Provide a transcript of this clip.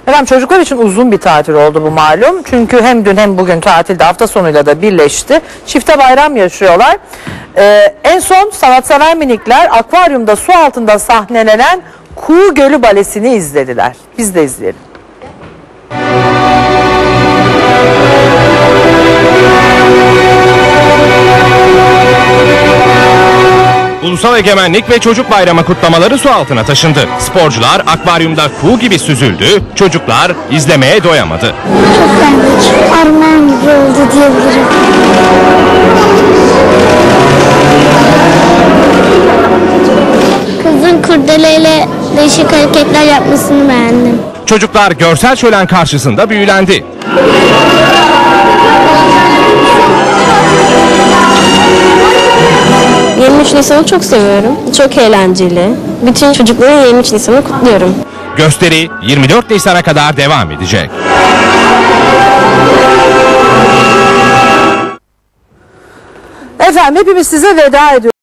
Efendim çocuklar için uzun bir tatil oldu bu malum. Çünkü hem dün hem bugün tatilde hafta sonuyla da birleşti. Çifte bayram yaşıyorlar. En son sanatsever minikler akvaryumda su altında sahnelenen Kuğu Gölü Balesi'ni izlediler. Biz de izleyelim. Ulusal Egemenlik ve Çocuk Bayramı kutlamaları su altına taşındı. Sporcular akvaryumda kuğu gibi süzüldü, çocuklar izlemeye doyamadı. Çok beğendik. Armağan gibi oldu diyebilirim. Kızın kurdeleyle değişik hareketler yapmasını beğendim. Çocuklar görsel şölen karşısında büyülendi. 23 Nisan'ı çok seviyorum. Çok eğlenceli. Bütün çocukların 23 Nisan'ı kutluyorum. Gösteri 24 Nisan'a kadar devam edecek. Efendim hepimiz size veda ediyoruz.